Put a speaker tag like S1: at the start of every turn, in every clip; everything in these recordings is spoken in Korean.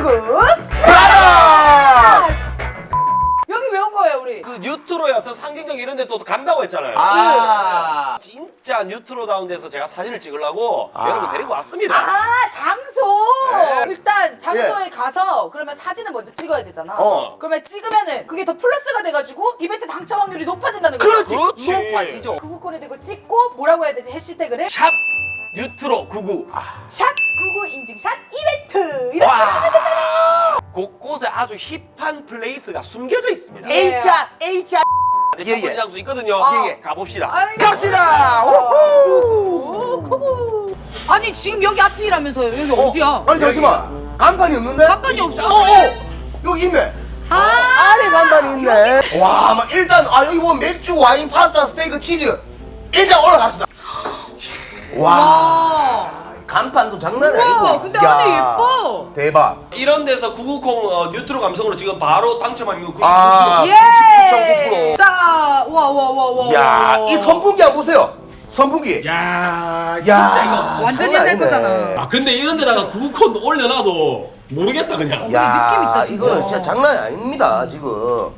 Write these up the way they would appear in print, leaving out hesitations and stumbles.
S1: 브라더스!
S2: 여기 왜 온 거예요 우리?
S3: 그 뉴트로의 어떤 상징적 이런 데 또 간다고 했잖아요.
S1: 아,
S3: 진짜 뉴트로다운 데서 제가 사진을 찍으려고 여러분 데리고 왔습니다.
S2: 아 장소!
S3: 네.
S2: 일단 장소에 가서 그러면 사진을 먼저 찍어야 되잖아.
S1: 어.
S2: 그러면 찍으면은 그게 더 플러스가 돼가지고 이벤트 당첨 확률이 높아진다는 거야.
S3: 그렇지.
S1: 높아지죠.
S2: 구구콘에 대고 찍고 뭐라고 해야 되지? 해시태그를
S3: 샵 뉴트로 99.
S2: 샵 구구 인증샷 이벤트 이렇게 하면 되잖아.
S3: 곳곳에 아주 힙한 플레이스가 숨겨져 있습니다.
S2: 예.
S1: H자.
S3: 첫 번째 장소 있거든요.
S2: 예, 예.
S3: 가봅시다.
S2: 아이,
S1: 갑시다.
S2: 오, 구구. 아니 지금 여기 앞이라면서요? 여기 어디야?
S1: 아니 잠시만. 간판이 없는데?
S2: 간판이 없어.
S1: 여기 있네.
S2: 아,
S1: 안에 간판이 있네. 와, 막 일단 여기 보면 맥주, 와인, 파스타, 스테이크, 치즈. 일단 올라갑시다. 와,
S2: 와.
S1: 간판도 장난이
S2: 우와,
S1: 아니고.
S2: 근데 안에 예뻐.
S1: 대박.
S3: 이런 데서 990 뉴트로 감성으로 지금 바로 당첨 확률 99%.
S1: 아,
S2: 예.
S1: 99.9%.
S2: 자, 와.
S1: 야, 이 선풍기 한번 보세요. 선풍기.
S3: 야,
S1: 야,
S3: 진짜 이거.
S2: 완전
S1: 장난
S2: 옛날
S1: 아니네.
S2: 거잖아.
S3: 아 근데 이런 데다가 990 올려놔도 모르겠다 그냥.
S2: 근데 느낌 있다, 진짜.
S1: 이거는 진짜 장난이 아닙니다, 지금.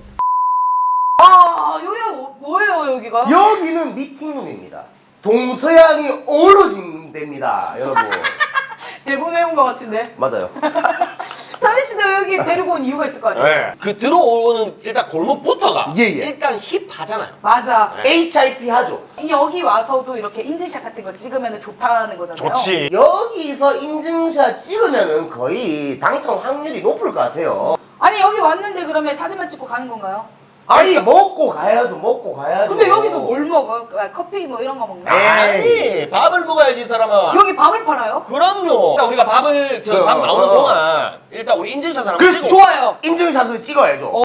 S2: 아, 여기가 뭐예요, 여기가?
S1: 여기는 미팅룸입니다. 동서양이 어우러진 데입니다, 여러분.
S2: 대본 외운 거 같은데.
S1: 맞아요.
S2: 사리 씨도 여기 데리고 온 이유가 있을 거 아니에요?
S3: 네. 그 들어오는 일단 골목부터가
S1: 예, 예.
S3: 일단 힙하잖아요.
S2: 맞아.
S1: HIP 하죠.
S2: 여기 와서도 이렇게 인증샷 같은 거 찍으면 좋다는 거잖아요.
S1: 여기서 인증샷 찍으면은 거의 당첨 확률이 높을 것 같아요.
S2: 아니 여기 왔는데 그러면 사진만 찍고 가는 건가요?
S1: 아니, 먹고 가야죠, 먹고 가야죠.
S2: 근데 여기서 뭘 먹어요? 커피 뭐 이런 거 먹나?
S1: 에이.
S3: 아니 밥을 먹어야지 이 사람아.
S2: 여기 밥을 팔아요?
S3: 그럼요. 일단 우리가 밥을 밥 나오는 동안 일단 우리 인증샷을 한번 찍고.
S2: 좋아요.
S1: 인증샷을 찍어야죠.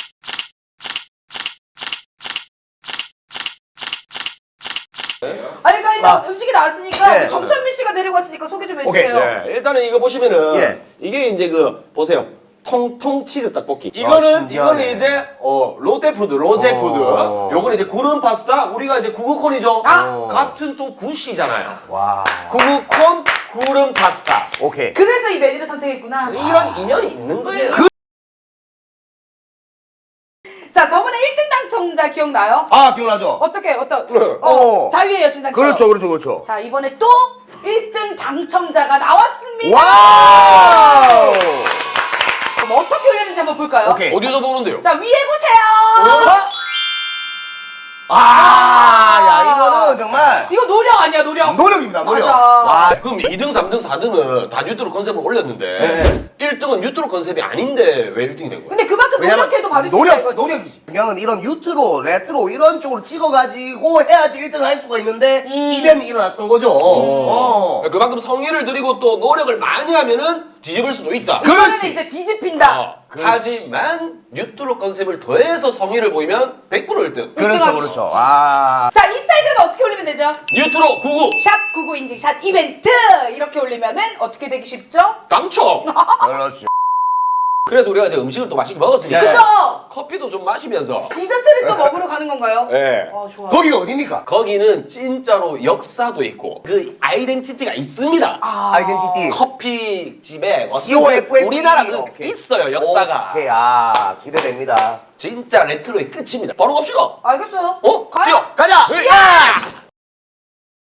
S2: 아니 그러니까 일단 음식이 나왔으니까
S1: 네.
S2: 정찬민 씨가 데리고 왔으니까 소개 좀
S1: 오케이.
S2: 해주세요.
S3: 네, 일단은 이거 보시면은
S1: 예.
S3: 이게 이제 그 보세요. 통통 치즈 떡볶이. 이거는
S1: 신기하네.
S3: 이제 롯데푸드, 로제푸드. 요거는 이제 구름 파스타. 우리가 이제 구구콘이죠.
S2: 아!
S3: 같은 또 구시잖아요.
S1: 와.
S3: 구구콘 구름 파스타.
S1: 오케이.
S2: 그래서 이 메뉴를 선택했구나.
S3: 이런 인연이 있는 거예요.
S2: 자 저번에 1등 당첨자 기억나요?
S1: 아, 기억나죠?
S2: 어떻게
S1: 어.
S2: 자유의 여신상
S1: 그렇죠.
S2: 자 이번에 또 1등 당첨자가 나왔습니다.
S1: 와우!
S2: 그럼 어떻게 올렸는지 한번 볼까요?
S1: 오케이.
S3: 어디서 보는데요?
S2: 자 위에 보세요.
S1: 야, 이거는 정말
S2: 이거 노력 아니야 노력.
S1: 노력입니다, 노력.
S2: 맞아.
S1: 와,
S3: 그럼 2등, 3등, 4등은 다 뉴트로 컨셉을 올렸는데
S1: 네.
S3: 1등은 뉴트로 컨셉이 아닌데 왜 1등이 된 거예요?
S2: 근데 그만큼 노력해도 받을 수 있다 이거지.
S1: 노력이지. 그냥은 이런 유튜브, 레트로 이런 쪽으로 찍어가지고 해야지 1등을 할 수가 있는데 이변이 일어났던 거죠.
S3: 그만큼 성의를 들이고 또 노력을 많이 하면은 뒤집을 수도 있다.
S2: 이거는
S1: 그렇지.
S2: 이제 뒤집힌다.
S3: 하지만 뉴트로 컨셉을 더해서 성의를 보이면 100% 1등.
S1: 그렇죠. 아.
S2: 자 인스타그램에 어떻게 올리면 되죠?
S3: 뉴트로 99
S2: 샵 99 인증샷 이벤트 이렇게 올리면은 어떻게 되기 쉽죠?
S3: 당첨.
S1: 그렇죠.
S3: 그래서 우리가 이제 음식을 또 맛있게 먹었으니까
S1: 네.
S2: 그죠?
S3: 커피도 좀 마시면서
S2: 디저트를 또 먹으러 가는 건가요?
S3: 네.
S2: 좋아.
S1: 거기가 어딥니까?
S3: 거기는 진짜로 역사도 있고 그 아이덴티티가 있습니다.
S1: 아이덴티티.
S3: 커피집에 어떤
S1: COFFE.
S3: 우리나라 그
S1: 오케이.
S3: 있어요 역사가.
S1: 오케이, 기대됩니다.
S3: 진짜 레트로의 끝입니다. 바로 갑시다.
S2: 알겠어요.
S3: 어?
S2: 가요.
S3: 뛰어.
S1: 가자!
S3: 네.
S2: 야!